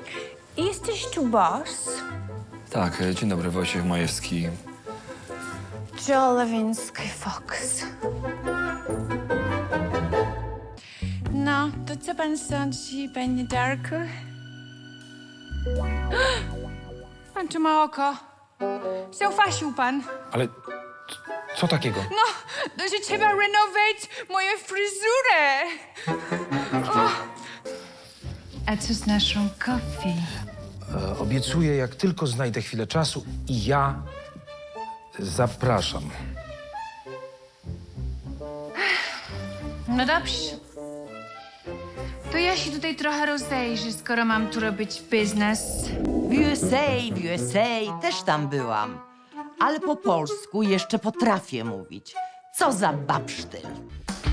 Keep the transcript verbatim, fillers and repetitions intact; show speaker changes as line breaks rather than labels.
Jesteś tu boss?
Tak, e, dzień dobry, Wojciech Majewski.
Joe Lewinsky Fox. No, to co pan sądzi, panie Darku? Pan tu ma oko. Zaufasił pan.
Ale c- co takiego?
No, to że trzeba renować moją fryzurę. O. A co z naszą coffee?
E, obiecuję, jak tylko znajdę chwilę czasu i ja zapraszam.
No dobrze. To ja się tutaj trochę rozejrzę, skoro mam tu robić biznes.
W U S A, w U S A też tam byłam. Ale po polsku jeszcze potrafię mówić. Co za babsztyl.